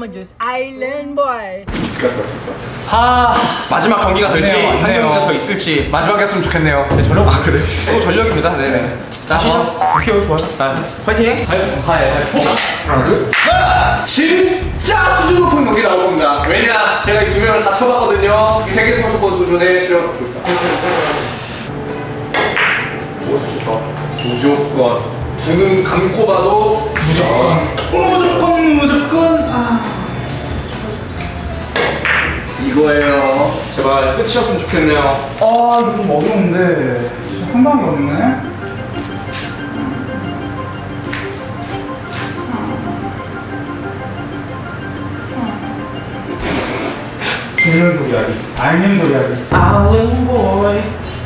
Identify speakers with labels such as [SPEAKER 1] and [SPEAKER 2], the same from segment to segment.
[SPEAKER 1] I'm just island boy.
[SPEAKER 2] 마지막 경기가 될지 한
[SPEAKER 3] 맞네요.
[SPEAKER 2] 경기가 더 있을지
[SPEAKER 3] 마지막에 했으면 좋겠네요.
[SPEAKER 2] 네, 전력 그래 또 전력입니다. 네네 자
[SPEAKER 3] 오케이, 좋아요.
[SPEAKER 2] 파이팅.
[SPEAKER 3] 하나, 둘. 진짜 수준 높은 경기 나올 겁니다. 왜냐? 제가 이 두 명을 다 쳐봤거든요. 세계 선수권 수준의 실력을 갖고 있다. 오, 좋다. 무조건. 두 눈 감고 봐도 무조건. 이거예요.
[SPEAKER 2] 제발 끝이었으면 좋겠네요.
[SPEAKER 4] 아 이거 좀 어려운데 한 방이 없네. 듣는 소리 하기, 알는 소리 하기.
[SPEAKER 2] Island boy.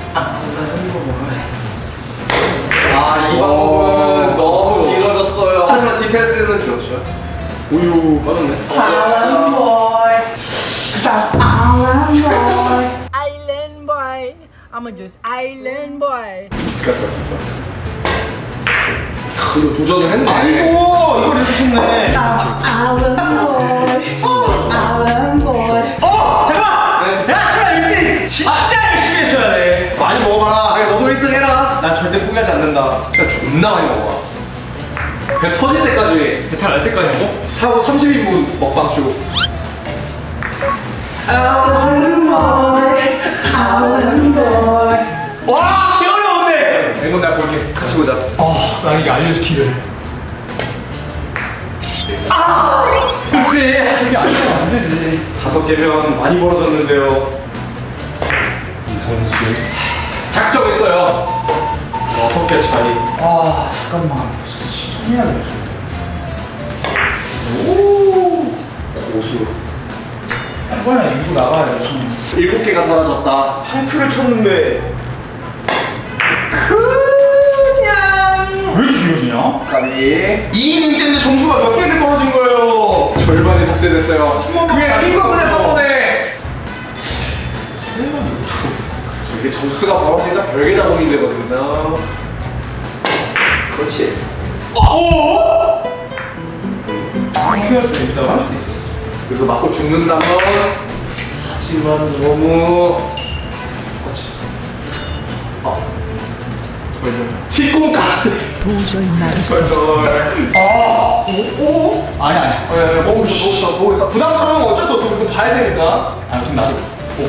[SPEAKER 3] 아, 이 방법은 너무 길어졌어요. 하지만 디펜스는 좋죠. 우유 빠졌네.
[SPEAKER 1] Island boy. I'm just island boy.
[SPEAKER 3] 이거 도전을 했네.
[SPEAKER 2] 아이고 이걸 이렇게 쳤네.
[SPEAKER 4] 야, 제발 1등 진짜 열심히 해줘야 돼.
[SPEAKER 2] 많이 먹어봐라.
[SPEAKER 3] 아니, 너도 1승 해라.
[SPEAKER 2] 난 절대 포기하지 않는다.
[SPEAKER 3] 진짜 존나 많이 먹어. 배 터질 때까지.
[SPEAKER 2] 배탈 날 때까지 먹어?
[SPEAKER 3] 사고 30인분 먹방 쇼.
[SPEAKER 4] 와, 어려운데.
[SPEAKER 3] 이건 내가 볼게. 같이 보자.
[SPEAKER 4] 나 이게 알려주기를. 그렇지. 이게 알려주면 안 되지.
[SPEAKER 2] 5개면 많이 벌어졌는데요.
[SPEAKER 3] 이 선수. 작정했어요.
[SPEAKER 2] 6개 차이.
[SPEAKER 4] 아, 잠깐만. 진짜 천해야겠다.
[SPEAKER 3] 고수.
[SPEAKER 4] 이번에 이거 나가야 돼. 좀.
[SPEAKER 3] 7개가 사라졌다.
[SPEAKER 2] 한 큐를 쳤는데
[SPEAKER 4] 왜 이렇게 길어지냐?
[SPEAKER 3] 까비.
[SPEAKER 2] 2인 인제인데 점수가 몇 개를 떨어진 거예요.
[SPEAKER 3] 절반이 삭제됐어요.
[SPEAKER 2] 번만
[SPEAKER 3] 그게
[SPEAKER 2] 더
[SPEAKER 3] 핑거스의
[SPEAKER 2] 해줘.
[SPEAKER 3] 뻔뻔해. 이게 점수가 벌어지니까 별게 다 고민되거든요. 그렇지.
[SPEAKER 4] 키웠을 때 있다고 할 수도 있었어.
[SPEAKER 3] 그래서 맞고 죽는다면 하지만 너무 그렇지. 뒷공까지.
[SPEAKER 1] 도저히 말할 수
[SPEAKER 4] 아니.
[SPEAKER 3] 보고 있어.
[SPEAKER 2] 부담스러운 건 어쩔 수 없어. 이거 봐야 되니까.
[SPEAKER 4] 아, 그럼 나도.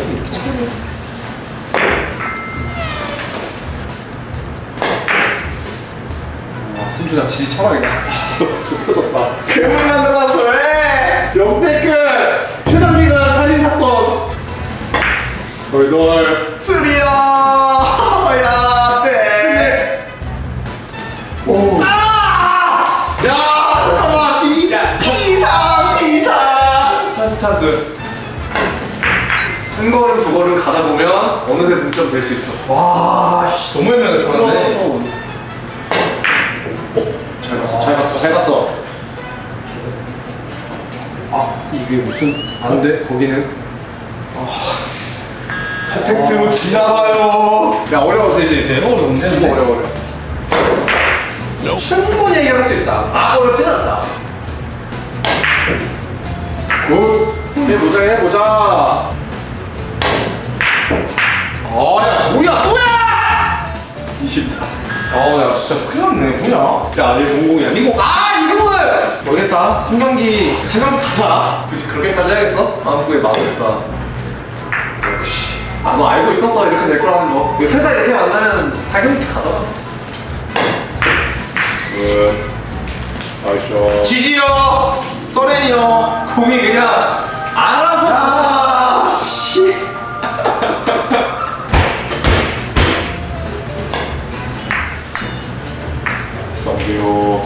[SPEAKER 3] 순주가 지지 처방이다. 터졌다.
[SPEAKER 2] 괴물 만들어놨어. 왜?
[SPEAKER 3] 역대급 최단기간 살인 사건. 널.
[SPEAKER 2] 쓰리야. 야, 네.
[SPEAKER 3] 오.
[SPEAKER 2] 야, 잠깐만. 비상.
[SPEAKER 3] 찬스. 한 걸음 두 걸음 가다 보면 어느새 동점 될 수 있어.
[SPEAKER 2] 와, 씨, 너무 애매하게 좋았네.
[SPEAKER 3] 잘 갔어. 아, 이게 무슨 안 돼? 거기는
[SPEAKER 2] 팩트로 지나가요.
[SPEAKER 3] 야, 어려워 대신.
[SPEAKER 4] 너무 어려운데?
[SPEAKER 3] 너무 어려워. 충분히 해결할 수 있다. 아, 어렵진 않다. 굿. 해보자.
[SPEAKER 2] 야, 뭐야?
[SPEAKER 3] 20다.
[SPEAKER 2] 야, 진짜 큰일 났네. 뭐야?
[SPEAKER 3] 야, 내 공공이 아니고.
[SPEAKER 2] 이거는! 모르겠다. 3경기, 4경기 가자.
[SPEAKER 3] 그치, 그렇게까지 해야겠어? 한국에 마법사. 역시. 아, 너 알고 있었어. 이렇게 될 거라는 거. 회사 이렇게 만나면 사경기 가잖아. 아이쇼.
[SPEAKER 2] 지지요! 서렌이요!
[SPEAKER 3] 공이 그냥 알아서.
[SPEAKER 2] 아, 씨.
[SPEAKER 3] 넘겨요.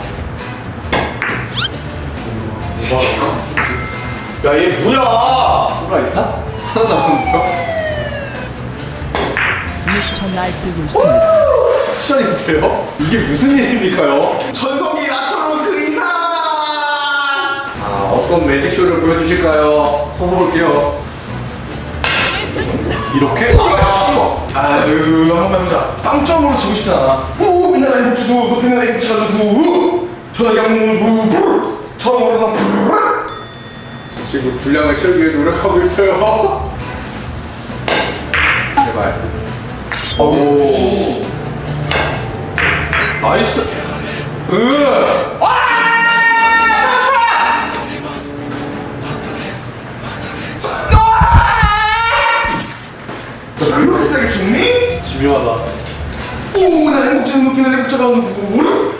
[SPEAKER 2] 야, 얘 뭐야?
[SPEAKER 3] 뭐가 있나? 하나 남은 거?
[SPEAKER 1] 미쳐 날뛰고 있습니다.
[SPEAKER 3] 쿠션인데요? 이게 무슨 일입니까요?
[SPEAKER 2] 전성기 나처럼 그 이상!
[SPEAKER 3] 아, 어떤 매직쇼를 보여주실까요? 서서 볼게요. 이렇게?
[SPEAKER 2] 아유, 한번 해보자. 빵점으로 지고 싶지 않아. 후, 이나라의 복주수, 높이 나라의 복주수, 후, 전화기 항공을 후, 처음으로 난
[SPEAKER 3] 지금 분량을 채우기 위해 노력하고 있어요. 제발. 오. 나이스.
[SPEAKER 2] 너 그렇게 세게 죽니?
[SPEAKER 3] 기묘하다.
[SPEAKER 2] 오, 나 행복자는 높이는 행복자가 누구?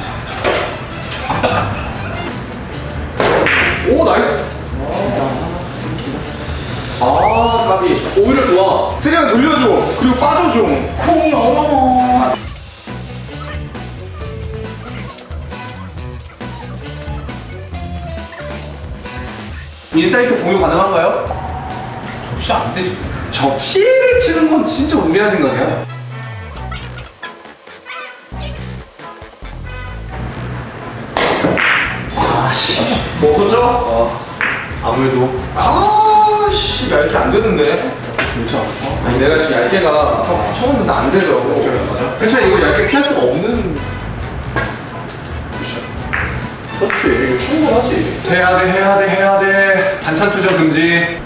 [SPEAKER 3] 오, 나이스. 아, 까비. 오히려 좋아.
[SPEAKER 2] 세리랑 돌려줘. 그리고 빠져줘.
[SPEAKER 1] 콩이 어머머.
[SPEAKER 3] 인사이트 공유 가능한가요?
[SPEAKER 4] 접시 안 되지.
[SPEAKER 3] 접시를 치는 건 진짜 우리한 생각이야.
[SPEAKER 2] 뭐 없었죠?
[SPEAKER 3] 아무래도.
[SPEAKER 2] 아씨, 얇게 안 되는데.
[SPEAKER 3] 괜찮아.
[SPEAKER 2] 아니, 내가 지금 얇게가 처음 했는데 안 되더라고.
[SPEAKER 3] 그렇죠. 이거 얇게 피할 수가 없는. 그렇지. 이거 충분하지. 해야 돼. 반찬 투정 금지.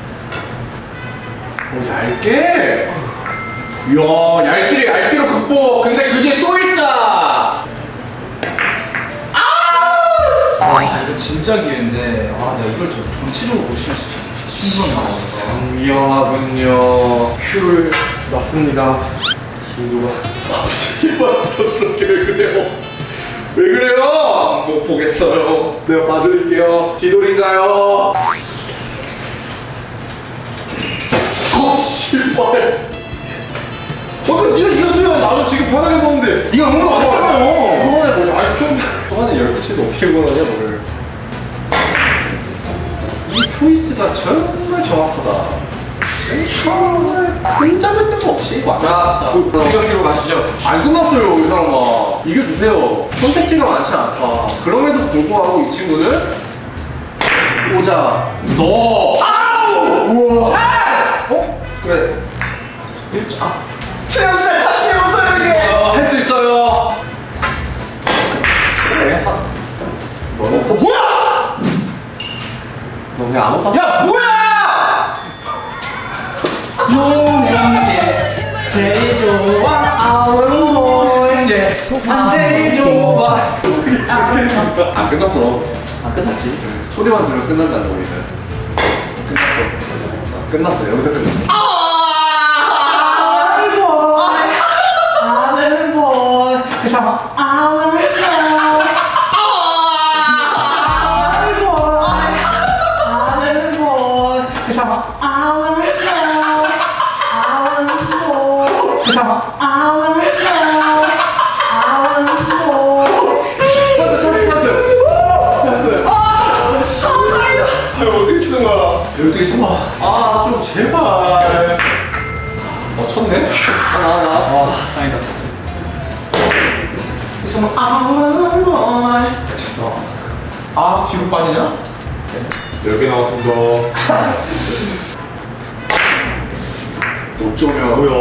[SPEAKER 3] 얇게. 이야, 얇기로 극복. 근데 그게 또 일자.
[SPEAKER 4] 아 이거 진짜 기회인데 아 내가 이걸 전체적으로 못 치는 신경 나왔어.
[SPEAKER 3] 위험하군요. 큐를 놨습니다. 김도가. 그렇게 왜 그래요? 왜 그래요? 못 보겠어요. 내가 봐드릴게요. 뒤돌인가요? 씨발. 네가 이겼어요. 나도 지금 편하게 보는데.
[SPEAKER 2] 네가 응원 안 했잖아요.
[SPEAKER 3] 초반에 뭐냐? 아니 초반에 10개치도 어떻게 응원하냐 너를. 이 초이스가 정말 정확하다. 정말 큰 잡을 데가 없이
[SPEAKER 2] 자,
[SPEAKER 3] 맞았다.
[SPEAKER 2] 세경기로 가시죠.
[SPEAKER 3] 안 끝났어요 이 사람아. 이겨주세요. 선택지가 많지 않다. 그럼에도 불구하고 이 친구는 오자 너. 아우!
[SPEAKER 2] 우와.
[SPEAKER 3] 찬스!
[SPEAKER 2] 그래. 최영 씨 자신이 없어요 이게.
[SPEAKER 3] 할 수 있어요. 그래. 너는 또
[SPEAKER 2] 뭐야?
[SPEAKER 3] 너 그냥 아무 pas.
[SPEAKER 2] 야 뭐야?
[SPEAKER 4] 노는 게 제일 좋아. 아우는 게 제일 좋아.
[SPEAKER 3] 안 끝났어. 안 끝났지. 소리만 들으면 끝난다는 우리는. 끝났어. 여기서 끝났어.
[SPEAKER 4] 아는 볼. 그 사람 아는 볼. 아는 볼. 그 사람 아는 볼. 아는 볼. 그 사람 아는 볼. 아는 볼.
[SPEAKER 3] 찬스.
[SPEAKER 2] 이거 어떻게 치는 거야?
[SPEAKER 3] 12개 신봐.
[SPEAKER 2] 좀 제발.
[SPEAKER 3] 쳤네? 하나.
[SPEAKER 4] 다행이다 진짜.
[SPEAKER 2] 있으면 뒤로 빠지냐?
[SPEAKER 3] 10개 나왔습니다. 어쩌면. 뭐야?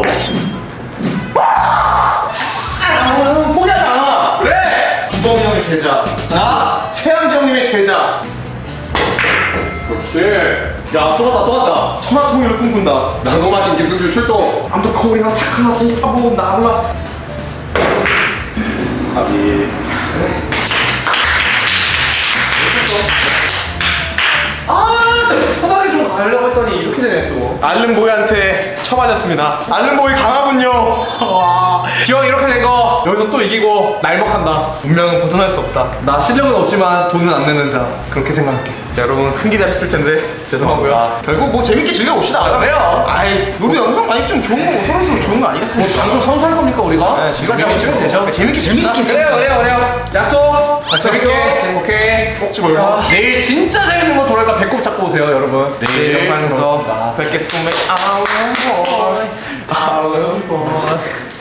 [SPEAKER 2] 포기하잖아.
[SPEAKER 3] 그래!
[SPEAKER 2] 김범이 형의 제자. 나 세양지 형님의 제자.
[SPEAKER 3] 그렇지. 야, 또 왔다.
[SPEAKER 2] 천하통일을 꿈꾼다.
[SPEAKER 3] 난거 마신 김승준 출동.
[SPEAKER 2] 아무튼 코리랑 타클라스 타보 나올라스.
[SPEAKER 3] 아비.
[SPEAKER 2] 편하게 좀 가려고 했더니 이렇게 되네 또. 알른보이한테 처맞았습니다. 알른보이 강하군요.
[SPEAKER 3] 기왕 이렇게 된 거 여기서 또 이기고 날먹한다.
[SPEAKER 2] 운명은 벗어날 수 없다.
[SPEAKER 3] 나 실력은 없지만 돈은 안 내는 자. 그렇게 생각할게.
[SPEAKER 2] 자, 여러분 큰 기대하셨을 텐데 죄송하고요. 결국 뭐 재밌게 즐겨봅시다.
[SPEAKER 3] 그래요.
[SPEAKER 2] 아이, 우리 영상 많이 좀 좋은 거고 서로 좋은 거 아니겠습니까?
[SPEAKER 3] 방금 선수할 겁니까 우리가?
[SPEAKER 2] 네,
[SPEAKER 3] 재밌게 치면 되죠.
[SPEAKER 2] 재밌게
[SPEAKER 3] 그래요. 약속. 재밌게. 오케이.
[SPEAKER 2] 꼭지 몰라.
[SPEAKER 3] 내일 진짜 재밌는 거 돌아올까 배꼽 잡고 오세요 여러분.
[SPEAKER 2] 내일 영상에서
[SPEAKER 3] 그렇습니다.
[SPEAKER 2] 뵙겠습니다. 아울보이.